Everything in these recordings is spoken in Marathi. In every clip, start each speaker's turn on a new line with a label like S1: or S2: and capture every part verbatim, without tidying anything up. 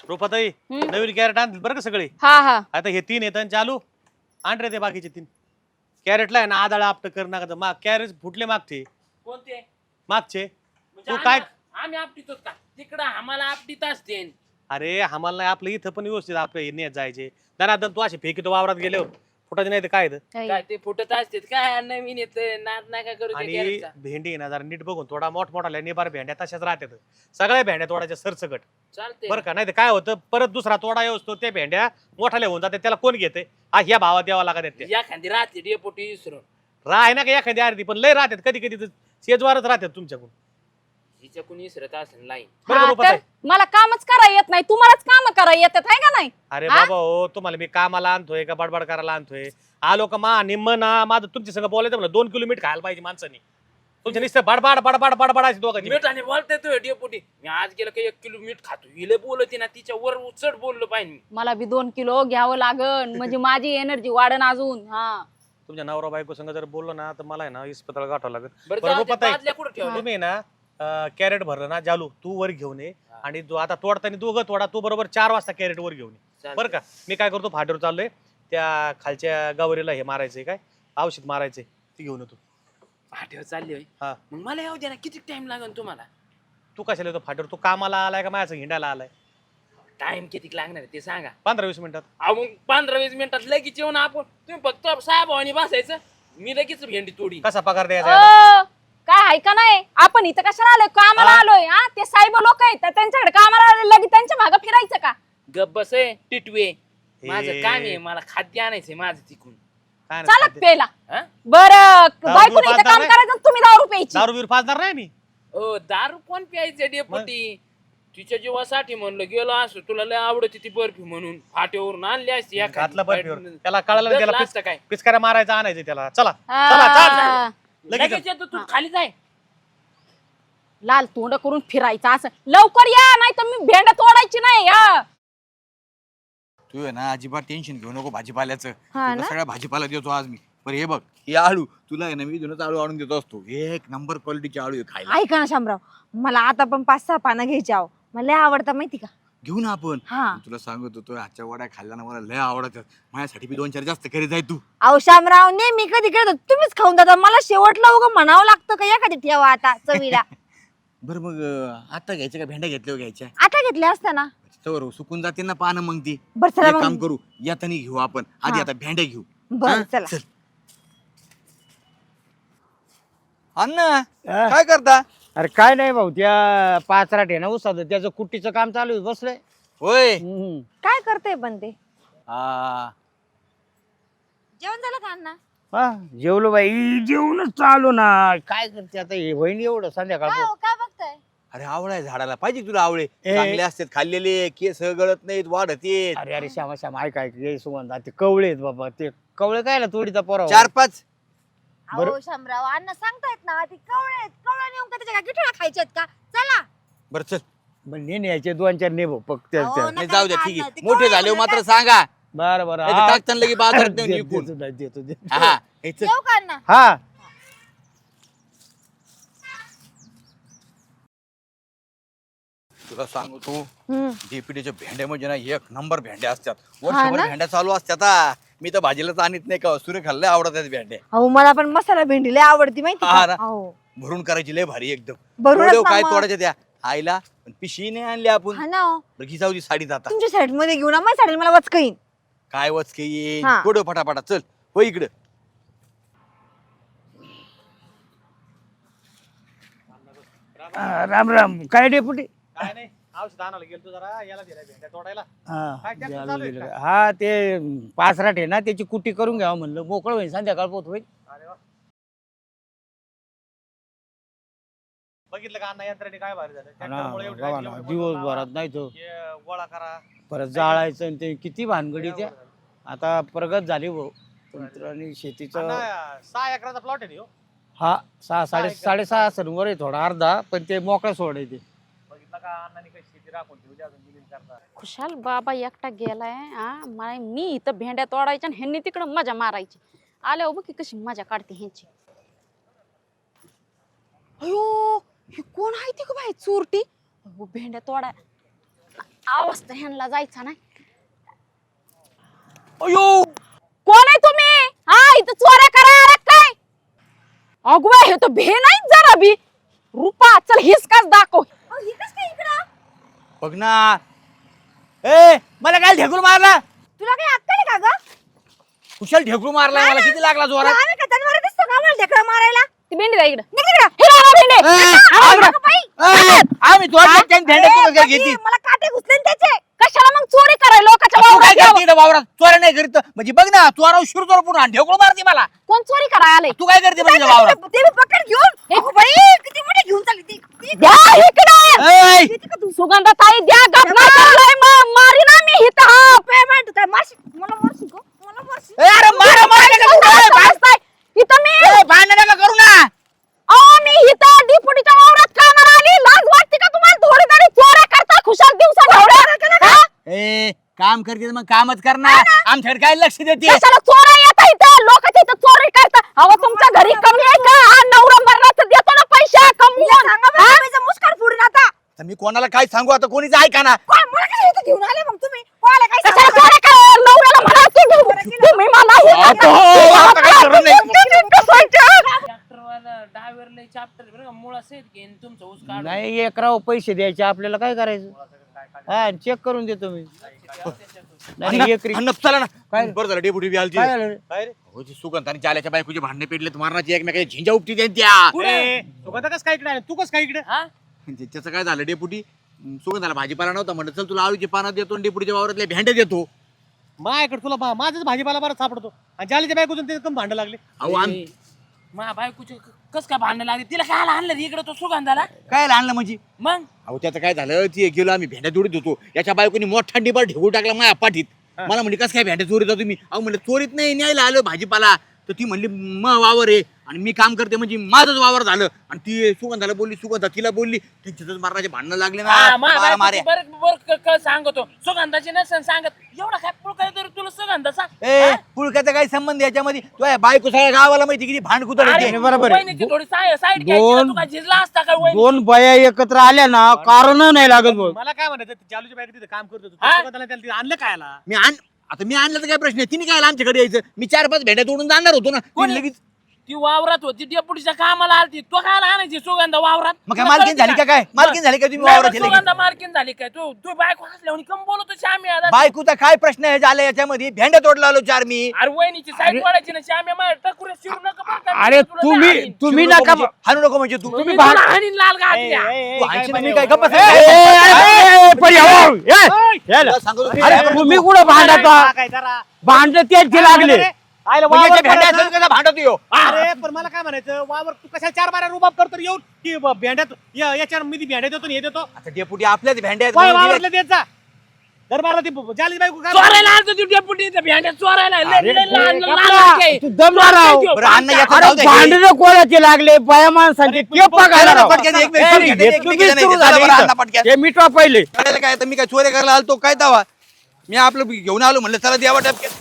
S1: रोपाताई
S2: हम्म.
S1: नवीन कॅरेट आणतील बरं का सगळे.
S2: हा हा
S1: आता हे तीन येतात चालू आण रे ते बाकीचे तीन. कॅरेटला आहे ना आदाळा आपट कर नका माग कॅरेट फुटले मागचे
S3: कोणते
S1: मागचे
S3: म्हणजे
S1: तू काय
S3: आम्ही आम्ही आपटीतो का तिकडं आम्हाला आपटीत असते
S1: अरे आम्हाला नाही आपलं इथं पण व्यवस्थित आपलं नेत जायचे दनादन तू असे फेकीतो वावरात गेले फुटायचे नाही तर काय इथं?
S3: काय ते फुटत असते काय नवीन येत नाद नका करू ते
S1: आणि
S3: कॅरेटचा.
S1: भेंडी आहे ना जरा नीट बघून थोडा मोठमोठा निबार भेंड्या तशाच राहतात सगळ्या भेंड्या तोडायच्या सरसकट
S3: चालते
S1: बरं का नाही तर काय होतं परत दुसरा तोडा येऊस त्या भेंड्या मोठाल्या होऊन जाते त्याला कोण घेते हा ह्या भावात द्यावा लागत त्या
S3: या खांदी राहते डेपोटी विसरून
S1: राह ना का एखादी अर्धी पण लय राहतात कधी कधी शेजवारच राहतात तुमच्याकडून
S3: हिच्या कोणी विसरत असेल लाईन
S1: बरं का
S2: हा,
S1: रुपाताई?
S2: तर मला कामच करा येत नाही तुम्हालाच काम करा येतात आहे का नाही.
S1: अरे
S2: हा?
S1: बाबा हो तुम्हाला मी कामाला आणतोय का बडबड करायला आणतोय आलो का मा निम्म ना माझं तुमच्या संग बोलायचं म्हणलं दोन किलो मीठ खायला पाहिजे माणसानी तुमच्या नुसतं बडबड बडबड बडबडायचे दोघांची
S3: मीठ आणि बोलते तो डेपोटी मी आज गेलं का एक किलो मीठ खातो हिले बोलते ना तिच्या वर उचड बोललो पाहिजे मी
S2: मला बी दोन किलो घ्यावं लागन म्हणजे माझी एनर्जी वाढन अजून. हा
S1: तुमच्या नवरा बायको संग जर बोललो ना तर मला आहे ना इस्पताळ गाठावं लागेल
S3: बरं
S1: बरं
S3: जाऊ दे,
S1: रुपाताई,
S3: बादल्या कुठं ठेवल्या?
S1: तुम्ही ना कॅरेट भरलं ना जालू तू वर घेऊन ये आणि जो आता तोडताना दोघं तोडा तू बरोबर चार वाजता कॅरेट वर घेऊन ये
S3: चालतंय.
S1: बरं का मी काय करतो फाटीवर चाललोय त्या खालच्या गावरीला हे मारायचंय काय औषध मारायचंय ती घेऊन येतो
S3: फाट्यावर चालली होय
S1: हा
S3: मग मला येऊ द्या ना किती टाइम लागेल तुम्हाला
S1: तू कशाला येतो फाटीवर तू कामाला आलाय का माझ्या हिंडायला आलाय
S3: टाइम किती लागणार आहे ते सांगा
S1: पंधरा वीस मिनिटात
S3: अहो मग पंधरा वीस मिनिटात लगेच येऊन आपण तुम्ही फक्त साहेबांनी बसायचं मी लगेच भेंडी तोडी
S1: कसा पगार द्यायचा याला?
S2: अ, काय आहे का नाही आपण इथं कशाला आलोय कामाला
S1: हा?
S2: आलोय हा ते साहेब लोक आहेत तर त्यांच्याकडे कामाला आले लगेच त्यांच्या मागे फिरायचं का.
S3: गप बस आहे टिटवे माझं
S1: हे.
S3: काम आहे मला खाद्य आणायचंय माझं तिकून
S1: काय नाही
S2: चालत
S1: खाते.
S2: पेला
S3: हा?
S2: बरं
S1: दारू
S2: बायकोने
S1: बिरू
S2: इथं
S1: पाजणार
S2: काम
S1: नाही?
S2: करायचं आणि तुम्ही दारू प्यायची.
S1: दारू बिरू पाजणार नाही मी
S3: ओ दारू कोण प्यायचं डेपुटी तिच्या जीवासाठी म्हणलं गेलो असं तुला लय आवडते ती बर्फी म्हणून फाट्यावरून आणली असती एखादी.
S1: घातलं बर्फीवर त्याला कळालं ना, त्याला
S3: गपला
S1: पिस-
S3: असतं काय
S1: पिचकाऱ्या मारायचं आणायचं त्याला चला चला चल
S2: हा.
S1: लगेच
S3: लगेच येतो तू खाली जाय
S2: लाल तोंड करून फिरायचं असं लवकर या नाही तर मी भेंड तोडायची नाही. हा
S4: तू आहे ना अजिबात टेन्शन घेऊ नको भाजीपाल्याचं
S2: हा
S4: तुला
S2: ना?
S4: सगळ्या भाजीपाला देतो आज मी बरं हे बघ हे आळू तुला आहे ना मी जुनच आळू आणून देतो असतो एक नंबर क्वालिटीचे आळू आहे खायला
S5: ऐका ना शामराव मला आता पण पाच सहा पानं घ्यायची आहो मला लय आवडतं माहिती का.
S4: घेऊ ना आपण
S5: हा.
S4: पण तुला सांगत होतो आजच्या वड्या खाल्ल्या ना मला लय आवडतात माझ्यासाठी बी दोन चार जास्त करीत आहे तू
S5: अहो शामराव नेहमी कधी करत तुम्हीच खाऊन जाता मला शेवटला उगा म्हणावं लागतं का एखादी ठेवा आता चवीला.
S4: बरं मग अं, आता घ्यायच्या का भेंड्या घेतल्या घ्यायच्या
S5: आता घेतल्या असत्या ना.
S4: तर सुकून जाते ना पानं मग ती
S5: बरं चला
S4: एक
S5: मग.
S4: काम करू यातनी घेऊ आपण आधी
S5: हा.
S4: आता भेंड्या घेऊ
S5: बरं
S4: हा?
S5: चला.
S4: चल. अण्णा काय करता
S6: अरे काय नाही भाऊ त्या पाचराट आहे ना उसाद त्याचं कुट्टीचं काम चालू आहे बसलंय.
S4: होय
S6: हम्म.
S5: काय करते पण ते
S4: हा
S5: जेवण झालं का अण्णा.
S6: हा जेवलो बाई जेवणच चालू ना काय करते आता हे होईन एवढं संध्याकाळ
S5: काय हो, काय बघताय.
S4: अरे आवळा झाडाला पाहिजे तुला आवळे
S6: ए.
S4: चांगले असतात खाल्लेले केस गळत नाहीत वाढत येत
S6: अरे अरे श्यामा श्यामा ऐक ऐक ये सुगंधा ते कवळे आहेत बाबा ते कवळे काय ना तोडीचा पोरा
S4: चार पाच
S5: अहो शामराव अण्णा सांगतायत ना ती कवळे आहेत कवळे नेऊन का त्याच्या काय गिठोळा खायच्यात का चला.
S4: बर चल
S6: मग नेणे यायचे दोन चार नेबो फक्त
S5: अहो,
S6: त्या-
S5: नका
S4: नाही जाऊ द्या
S5: नका
S4: ठीक
S5: अण्णा,
S4: आहे
S5: ते
S4: मोठे
S5: कवळे
S4: झाले
S5: म्हणतात.
S4: मात्र सांगा
S6: बरं बरं
S4: नाही तर
S6: हा.
S4: टाकताना लगे बाजारात नेऊन
S6: देतो,
S4: विकून.
S6: देतो, देतो, देतो.
S4: हा हे चल.
S5: जेव का अण्णा.
S6: हा
S4: तुला सांगतो
S5: हम्म.
S4: जेपीटीच्या भेंड्या म्हणजे ना एक नंबर भेंड्या असतात
S5: हा
S4: वर्षभर
S5: ना?
S4: भेंड्या चालू असतात हा. मी तर भाजीलाच आणत नाही का सूर्य खाल्ले आवडतात भेंड्या
S5: अहो मला पण मसाला भेंडी लय आवडती माहिती
S4: हा
S5: का.
S4: ना?
S5: अहो
S4: भरून करायची लय भारी एकदम
S5: भरूनच
S4: तोडेव
S5: ना
S4: काय
S5: मग.
S4: तोडायच्या त्या आईला पण पिशवी नाही आणली आपण
S5: हा ना हो.
S4: बरं, घी जाऊ दे साडीत आता
S5: तुमच्या साईड मध्ये घेऊन माझ्या साईड मला वचकईन.
S4: काय वचके येईन
S5: हा.
S4: तोडव फटाफटा चल हो इकडं
S6: हा, राम राम काय डेपुटी
S1: काय नाही औषध आणायला गेलतो जरा याला दिला भेंड्या तोडायला
S6: हा
S1: काय ट्रॅक्टर
S6: द्यायला
S1: चालू आहे
S6: दिलं
S1: का?
S6: का? हा ते पाचराट आहे ना त्याची कुट्टी करून घ्यावं म्हणलं मोकळं होईल संध्याकाळ पोत होईल.
S1: अरे वा बघितलं का अण्णा यंत्राने काय भारी झालं
S6: हा ना,
S1: ट्रॅक्टरमुळे एवढी
S6: बघा
S1: राहिली,
S6: ना
S1: एवढी
S6: दिवसभरात
S1: बदल
S6: नाही तो
S1: लावा, हे गोळा करा
S6: परत जाळायचं आणि ते किती भानगडी त्या
S1: अण्णा,
S6: आता प्रगत झाली भाऊ तंत्र आणि शेतीचं
S1: सहा एकराचा प्लॉट आहे ना ह्यो.
S6: हा सहा साडे
S1: एकर.
S6: साडेसहा असेल वर आहे थोडा अर्धा पण ते मोकळा सोडायचे.
S1: बघितलं का अण्णाने काही शेती राखून ठेवली अजून दिली करता
S2: खुशाल बाबा एकटा गेलाय हा मला मी इथं भेंड्या तोडायच्या आणि ह्यांनी तिकडं मजा मारायची. आल्या बघ की कशी मजा काढते ह्यांची. अयो हे कोण आहे ती का बाई चोरटी. अहो, भेंड्या तोडा आवाज तर ह्यांना जायचा नाही.
S6: अयो
S2: कोण आहे तुम्ही? हा इथं चोऱ्या करा आलात काय? अगवा हे तर भे नाही जरा बी. रुपा चल हिसकाच दाखव.
S5: अहो, ही कसं काय इकडं?
S6: बघ ना ए मला काय ढेकूर मारला
S5: तुला काही अक्कल आहे का ग?
S6: कुशल ढेकूर मारला मला किती लागला
S5: तू
S6: जोरात
S5: आम्ही का जनावरं दिसतो का आम्हाला ढेकळं मारायला?
S2: ती भेंडी जा इकडं.
S5: निघ इकडं.
S2: हे राहा भेंडे.
S6: ए,
S2: आणा इकडं.
S5: अगं बाई,
S6: ए, आम्ही तो भेंड्या
S5: अरे,
S6: तुला घेतली
S5: बाई, मला काटे घुसले ना त्याचे.
S2: कशाला मग चोरी कराय लोकांच्या
S6: तू काय
S2: वावरात यावं?
S6: करते इकडं वावरात चोऱ्या नाही करीत म्हणजे बघ ना चोराव शिरतोर पुन्हा ढेकूळ मारते मला
S2: कोण चोरी कराय आले?
S6: तू काय करते म्हणजे
S5: काय
S6: वावरात
S5: करते? ते बी पकड घेऊन. अगं बाई, किती मोठी घेऊन चालली ती. ती
S2: द्या इकडं.
S6: ए,
S5: किती का तू?
S2: सुगंधाताई द्या गप नाही चाललंय मग मारी ना मी इथं हा.
S5: पेमेंट काय मारशील? मला मारशील का? मला मारशील?
S6: ए, अरे मारा मारा नका करू, ए, भांड-
S2: बसताय. इथं मी
S6: ए, भांडण नका करू ना
S2: अहो मी इथं डिपुटीच्या वावरात कामाला आली. लाज वाटते का तुम्हाला? थोडी तरी चोऱ्या करता खुशाल दिवसा ढवळ्या.
S6: ए काम करते तर मग कामच करणार आमच्याकडे काय लक्ष देते
S2: कशाला चोऱ्या येता इथं? लोकांच्या इथं चोरी करता. अहो तुमच्या घरी कमी आहे का? हा नवरा मरणाचं देतो ना पैसे
S5: तिला
S2: कमवून.
S5: सांगा बरं, तुम्हीचं मुस्कान फोडून आता.
S6: तर मी कोणाला काय सांगू आता कोणीच ऐका ना
S5: कोण मला काय इथं घेऊन आले मग तुम्ही? कोणाला काय
S2: कशाला
S5: सांगू?
S2: चोऱ्या करा? नवऱ्याला म्हणा तुम्ही तुम्ही मला हे
S6: आता
S2: नका.
S6: हो, आता काही खरं नाही.
S2: कसायचं?
S3: ट्रॅक्टरवाला ड्रायव्हर लय चाप्टर बरं का मुळा सेट घेईन तुमचं ऊस काढून.
S6: नाही एक राव पैसे द्यायचे आपल्याला काय करायचं हा चेक करून देतो मी नाही एक
S4: अन्न चला ना
S6: काय?
S4: बरं झालं डेपुटी बी आलती
S6: काय झालं?
S1: काय रे?
S4: हो जी सुगंध आणि जाल्याच्या बायकोचे भांडणे पेटले मारण्याची एकमेकाची झिंजा उपटी देन त्या
S1: ए, सुगंधा कसं काय इकडे आली? तू कसं काय इकडे?
S3: हा?
S4: म्हणजे त्याचं काय झालं डेपुटी सुगंधाला भाजीपाला नव्हता म्हणलं चल तुला आळूची पानं देतो आणि डेपुटीच्या वावरातले भेंडे देतो
S1: माझ्याकडे तुला मा- माझाच भाजीपाला बरं सापडतो आणि जालीच्या बायकोतून ते कम भांडं लागले.
S4: अहो आम-
S3: ए, मा बायकोचे कस काय भांडण लागले तिला काय आणलं रे इकडे तो सुगंधाला
S4: काय आणलं म्हणजे
S3: मग
S4: अहो त्याचं काय झालं ती गेलो आम्ही भेंड्या जोडीत होतो याच्या बायकोनी मोठा डिबार ढेकून टाकला माझ्या पाठीत मला म्हणजे कसं काय भेंड्या चोरीत होतो तुम्ही अहो म्हणलं चोरीत नाही न्यायला आलो भाजीपाला तर ती म्हणली म वावर आहे आणि मी काम करते म्हणजे माझंच वावर झालं आणि ती सुगंधाला बोलली सुगंधा तिला बोलली त्यांच्यातच मारण्याचे भांडणं लागले ना
S3: हा, मा
S4: मारा मारे
S3: बायकोची बरं बरं क- क- सांगतो सुगंधाची नसेल सांगत एवढा काय पुळकाय तर तुला सुगंधा सांग
S4: ए पुळक्याचा काही संबंध याच्यामध्ये तो आहे बायको सगळ्या गावाला माहिती किती भांड कुतळ
S3: अरे,
S4: येते.
S6: बरोबर आहे.
S3: वहिनीची थोडी साईड घ्यायची ना,
S6: दोन-
S3: तू काय झिजला असता का वहिनी?
S6: दोन बाया एकत्र आल्या ना कारण नाही लागत भाऊ.
S1: मला काय म्हणायचं ते जालूच्या बायको तिथे काम करत होतो
S3: हा?
S1: सुगंधाला त्याला तिथे आणलं काय आला?
S4: मी आण आता मी आणलं तर काय प्रश्न आहे तिने काय आमच्याकडे यायचं मी चार पाच भेंड्या तोडून जाणार होतो ना
S3: कोणी?
S4: तिने लगेच
S3: ती वावरात होती डेपुटीच्या कामाला आलती तो काय आणायची सुगंधा वावरात
S4: मग काय
S3: तुला
S4: मालकीन
S3: कळतं
S4: झाली का काय मालकीन झाली का तुम्ही
S3: नाही,
S4: वावरात
S3: मग
S4: गेले की?
S3: सुगंधा मार्किन झाली काय तू तू बायको हसल्यावर कम बोलतो श्यामी आता
S4: बायकोचा काय प्रश्न आहे झाला याच्यामध्ये भेंड्या तोडला आलो चार मी
S3: अरे वहिनीची साईड पडायची ना श्यामी माझ्या टकुरे शिरू नका बरं का, मी
S6: अरे
S3: तुला
S6: तुम्ही
S3: हाणीन.
S6: तुम्ही
S4: शिवू नको
S6: नका
S4: म्हणजे- हाणू नको म्हणजे तू
S3: मी तुला हाणीन लाल
S1: ए,
S3: गाठल्या.
S1: ए, ए,
S4: तू
S1: काय
S4: हाणशील
S1: पण
S4: मी
S1: आहे
S4: काय
S1: हो?
S4: गप्प बस.
S6: ए, ए, ए, ए, परी, हो, ए, याला.
S4: तुला सांगतो तू-
S6: अरे तुम्ही कुठं भांडता
S1: हा, काय जरा.
S6: भांडण तेच जे लागले
S1: अरे, आयला
S4: मग
S1: वावर
S4: याच्या भेंड्या
S1: परत
S4: असेल कसा भांडत येऊ
S1: ना. अरे पण मला काय म्हणायचं वावर तू कशा चार बारा रुबाब करतो येऊन की ब- भेंड्यात या- याच्या मी ती भेंड्या देतो आणि हे देतो
S4: आता डेपुटी आपल्याच भेंड्या आहेत
S1: काय
S4: म्हणून दिल्या.
S1: वावरले देत जा दरबारला ती ब- जालीची बायको काय
S3: चोरायला आलतो तू डेपुटी इथं भेंड्या चोरायला लय-
S6: अरे,
S3: लय लहान-
S6: गप्पा.
S3: लहान आहे.
S6: तू दम ना राव.
S3: चोरायला
S4: बरं, अण्णा याचं
S6: अरे
S4: जाऊ दे.
S6: भांडण कोणाचे लागले बाया माणसांचे ते बघायला राव.
S4: पटकन एक मिनिट,
S6: ए,
S4: पटकन एक
S6: हे
S4: मिनिट,
S6: तुम्ही
S4: नाही,
S6: सुरू
S4: चला
S6: झाले
S4: बरं,
S6: इथं.
S4: अण्णा पटकन.
S6: हे मिटवा पहिले
S4: करायला काय तर मी काय चोऱ्या करायला आलतो काय दावा मी आपलं घेऊन आलो म्हणलं चला द्यावा टपक्यात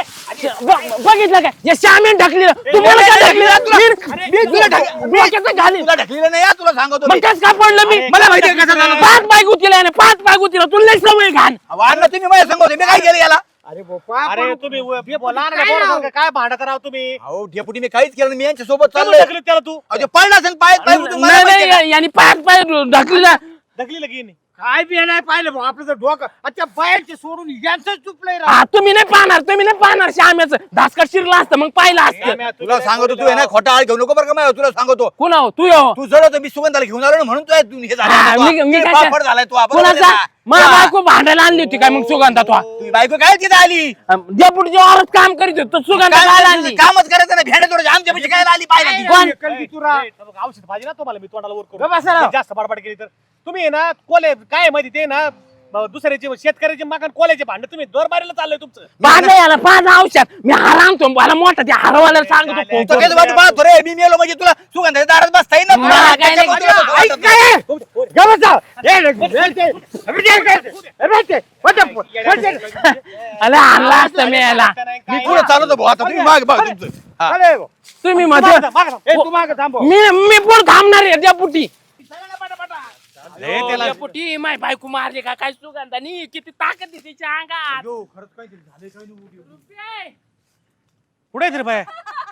S3: ब- बघितलं काय या श्यामीन ढकली तुम्हाला काय ढकली मी- मी तुला ढक- डोक्याचं घालीन.
S4: तुला ढकलेलं नाही हा, तुला सांगतो
S3: मग
S4: मी.
S3: त्याच का पडलं मी
S4: मला माहिती आहे कसं झालं.
S3: पाच बाय गुतीला आहे ना, पाच बाय गुतीला तुला लय सवय घाण
S4: अहो, अण्णा तुम्ही माझ्या सांगतो मी काय केलं याला
S6: अरे बाप्पा,
S1: अरे तुम्ही व- लहान पोरासारखं काय भांडत राव तुम्ही
S4: अहो डेपुटी मी काहीच केलं नाही, मी यांच्या सोबत
S1: कमून
S4: चाललोय
S1: ढकलीत त्याला तू
S4: अहो, ते पडला असेल पाय पाय उठून मला
S3: नाही
S4: माहिती आहे
S3: नाही यांनी पाच पाय ढकलीला
S1: ढकली लगी नाही.
S6: काय बी नाही पाहिलं भाऊ आपलं तर डोकं अच्छा बाहेरचे सोडून यांचं चुपलंय राव.
S3: हा तुम्ही नाही पाहणार तुम्ही नाही पाहणार श्याम्याचं धासकट शिरला असतं मग पाहिलं असतं
S1: श्याम्या,
S4: का? तुला
S1: काय
S4: सांगतो
S1: बोलली
S4: तू आहे ना
S1: राव?
S4: खोटा आळ घेऊ नको बरं का माझ्यावर, तुला सांगतो
S3: कुणा हो तू हो
S4: तू जड मी सुगंधाला घेऊन आलो ना म्हणून तू आहे, तू हे
S3: हा,
S4: झालं
S3: मी- मी
S4: तू
S3: काय-
S4: पापड झालाय तू आपण
S3: कुणाचा मला बायको भांडायला आणली होती काय मग सुगंधा तो
S4: तुझी बायको काय तिथे आली
S3: डेपुटीच्या वावरात काम करीत होतो सुगंधा
S4: काय
S3: काय
S4: तुझं
S3: आणली
S4: कामच करायचं ना भेंडे थोडं आमच्या पैसे काय आली पाहिजे ती.
S3: कोण?
S6: एकल की तुरा.
S1: ए, बघ, औषध पाहिजे ना तुम्हाला मी तोंडाला वर
S6: गप्प बसा राव.
S1: करू जास्त बडबड केली तर तुम्ही आहे ना कोले काय आहे माहिती ते ना ब- दुसऱ्याचे शेतकऱ्याचे मागण कोल्याचे भांडे तुम्ही दर बारीला चाललंय तुमचं
S3: पाच याला पाच औषध मी हार आणतो मला मोठा त्या हारवाला सांगतो फोन
S4: तो
S3: करून.
S4: काय वाट पाहतो रे मी मेलो म्हणजे तुला सुगंधाच्या दारात बसता येईल ना
S3: मला काय नाही
S4: त्याच्यामुळे तुला
S6: ऐक
S4: वाटतं.
S6: काय? गप्प बसा. ए, रे, रे, रे, रे, रे, रे, रे, रे, रे.
S3: अरे हारला असतं मी याला
S4: मी पुढे चालवतो भाऊ आता तुम्ही माग बघ तुमचं हा.
S6: अरे भाऊ.
S3: तुम्ही
S1: मागं
S3: मध्ये
S1: जा, मागं जा.
S6: ए, तू मागं थांब भाऊ.
S3: मी मी पुढे थांबणार आहे डेपुटी
S1: लय त्याला
S3: डेपुटी माय बायको मारली का काय सुगंधानी किती ताकद आहे तिच्या अंगात
S4: खरंच काहीतरी झालंय काय नाही
S3: रुपये.
S1: कुठे रे बाय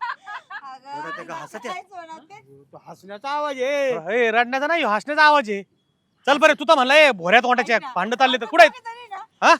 S6: हसण्याचा आवाज आहे
S1: हे रडण्याचा नाही हसण्याचा आवाज आहे. चल बरे तू तर म्हणला ए भोऱ्यात वाटायचे भांडण चालले तर कुठे हा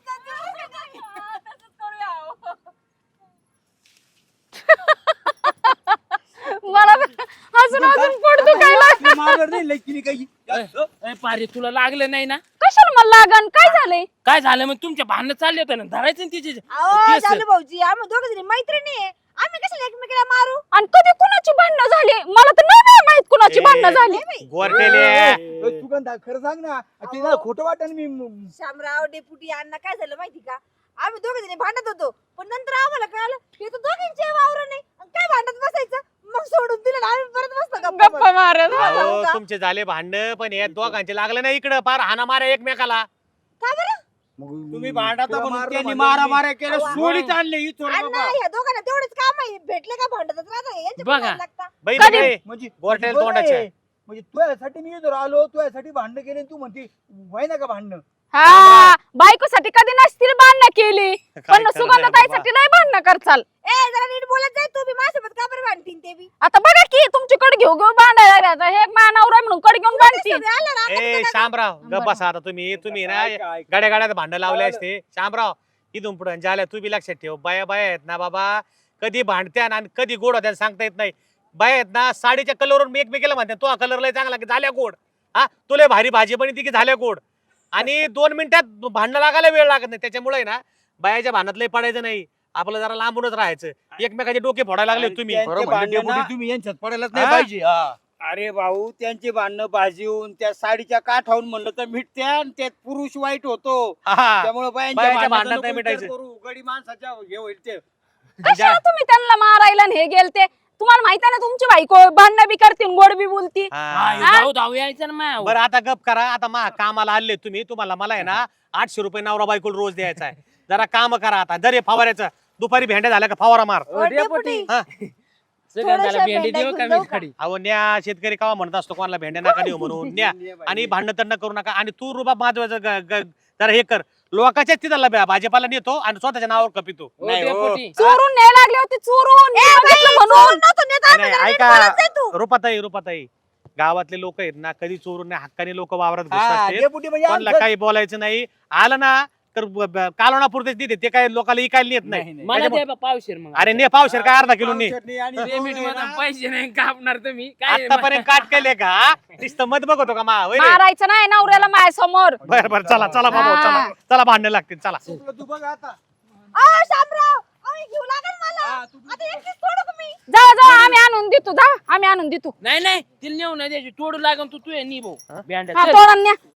S2: मला अजून अजून पोट दुखायला.
S3: ए, पारे तुला लागलं नाही ना
S2: कशाला मला लागन काय झालंय?
S3: काय झालं मग तुमच्या भांडण चालले होते ना धरायचं ना तिचे
S5: अहो
S3: केस.
S5: झालं भाऊजी आम्ही दोघ जणी मैत्रिणी आहे आम्ही कशाला एकमेकाला मारू
S2: आणि कधी कुणाची भांडणं झाली मला तर नाही बाई माहित कुणाची भांडणं झाली.
S1: गोरटेले
S4: सुगंधा खरं सांग ना ते ना खोटं वाटत मी
S5: शामराव डेपुटी अण्णा काय झालं माहिती का आम्ही दोघ जणी भांडत होतो पण नंतर आम्हाला कळालं हे तर दोघींचे वावर नाही आणि काय भांडत बसायचं मग सोडून दिलं आणि आम्ही परत बसतो गप्पा
S2: गप्पा मारत.
S5: मारत.
S1: अहो, तुमचे झाले भांडण पण हे दोघांचे लागले नाही इकडं पार हाना मारा एकमेकाला.
S5: का बरं
S6: तुम्ही भांडता म्हणून त्यांनी मारा मारा केलं सोडीत आणले ही चोर
S5: अण्णा
S6: बाबा
S5: ह्या दोघांना तेवढेच काम आहे भेटले का भांडतच राहता यांचे
S3: बघा.
S5: भांडण लागता
S1: बाई
S2: कधी?
S1: रे,
S4: म्हणजे
S1: गोरटेल
S4: बरं
S1: तोंडाचे.
S4: आहे. म्हणजे तुझ्यासाठी मी जर आलो तुझ्यासाठी भांडण केले तू म्हणते व्हाय ना का भांडण
S2: हा बायकोसाठी कधी नसतील भांडणं केली
S1: काय
S2: पण
S1: करणार
S2: सुगंधताईसाठी नाही भांडणं करचाल.
S5: ए जरा नीट बोलत जाय तू बी माझ्यासोबत का बरं भांडतीन ते बी
S2: आता बघा की तुमची कड घेऊ घेऊ भांडायला लागला. हे मानावर आहे म्हणून कड घेऊन भांडतील.
S5: सगळे आलं ना, आता
S1: ए
S5: तुला
S1: शामराव गप बसा आता तुम्ही तुम्ही ना गाड्या गाड्यात भांडण लावले असते. शामराव इथून पुढे झाल्या तू बी लक्षात ठेव बाया बाया आहेत ना बाबा कधी भांडत्या आणि कधी गोड होत्या सांगता येत नाही. बाया आहेत ना साडीच्या कलरवरून एकमेकीला म्हणते तो कलर लय चांगला की झाल्या गोड हा तुला भारी भाजी पण की झाल्या गोड आणि दोन मिनिटात भांडणं लागायला वेळ लागत नाही. त्याच्यामुळे ना बायाच्या भांडणात लय पडायचं नाही आपलं जरा लांबूनच राहायचं. एकमेकाचे डोके फोडायला लागले तुम्ही.
S6: त्यांचे
S4: बरं म्हणले
S6: भांडणं
S4: डेपुटी, तुम्ही यांच्यात पडायलाच नाही
S1: हा?
S4: पाहिजे हा.
S6: अरे भाऊ त्यांचे भांडणं भाजीवून त्या साडीच्या काठावून म्हणलं तर मिटत्या आणि त्यात पुरुष वाईट होतो
S1: हा.
S6: त्यामुळे
S1: बायांच्या
S6: बायांच्या
S1: भांडणात
S6: भांडणात
S1: नाही
S6: नाही
S1: मिटायचं.
S6: करू गडी माणसाच्या हे होईल ते
S2: कशाला तुम्ही त्यांना मारायला आणि हे गेलते? तुम्हाला माहिती आहे ना तुमची बायको भांडणं बी करतील गोड बी बोलती.
S1: हा.
S3: हा, धाव धाव यायचं ना मायावर.
S1: बरं आता गप करा आता मा कामाला आले तुम्ही तुम्हाला मला आहे ना आठशे रुपये नवरा बायकोला रोज द्यायचा आहे. जरा काम करा आता जर हे फवाऱ्याचं दुपारी भेंड्या झाल्या का फवारा मार.
S5: ओ, डेपुटी
S1: हा.
S3: सुगंधाला
S5: थोडंसं
S3: भेंडी
S5: भेंड्या
S3: देऊ का
S5: घेऊन
S3: मी
S5: जाऊ का?
S3: खडी
S1: अहो न्या शेतकरी कावा म्हणत असतो कोणाला भेंड्या नका देऊ म्हणून न्या आणि भांडण तंड करू नका आणि तू रुबाब माझं जरा हे कर लोकांच्याच तिथला भाजीपाला नेतो आणि स्वतःच्या नावावर कपितो.
S3: ओ,
S6: नाही, हो.
S3: डेपुटी.
S2: चोरून न्यायला लागले होते चोरून मी बघितलं म्हणून.
S5: सोडून नव्हतं नेत आम्ही,
S1: नाही,
S5: जरा नीट
S1: ऐका.
S5: बोलत जाय तू.
S1: रुपाताई रुपाताई गावातले लोक आहेत ना कधी चोरून नाही हक्काने लोक वावरात घुसत
S4: हा,
S1: असते.
S4: डेपुटी म्हणजे
S1: कोणाला
S4: आमचं-
S1: काही बोलायचं नाही आलं ना तर कालवणा पुरतेच देते ते काय लोकांना इकायला नेत नाही.
S6: नाही, नाही.
S3: मला द्या बा पावशेर मग
S1: अरे ने पावशेर काय अर्धा किलो ने
S6: चटणी आणि
S3: पेमेंट
S6: पोहे
S3: मध्ये
S6: ना.
S3: पैसे नाही कापणार तुम्ही काय
S1: आतापर्यंत काट केले का नुसतं मत बघतो का मा होय रे?
S2: मारायचं नाही नवऱ्याला माय समोर.
S1: बर बर चला चला बाबा चला चला भांडण लागतील चला.
S6: तुला तू बघ आता
S5: आ, शामराव आम्ही घेऊ लागेल मला
S6: हा, तू-
S5: आता एकटीच सोडू का मी
S2: जा जा आम्ही आणून देतो जा आम्ही आणून देतो.
S3: नाही नाही तिला नेऊ नाही द्यायची तोडू लागून तू तू नी भाऊ
S2: हा
S3: भेंड्या
S2: तोडून न्या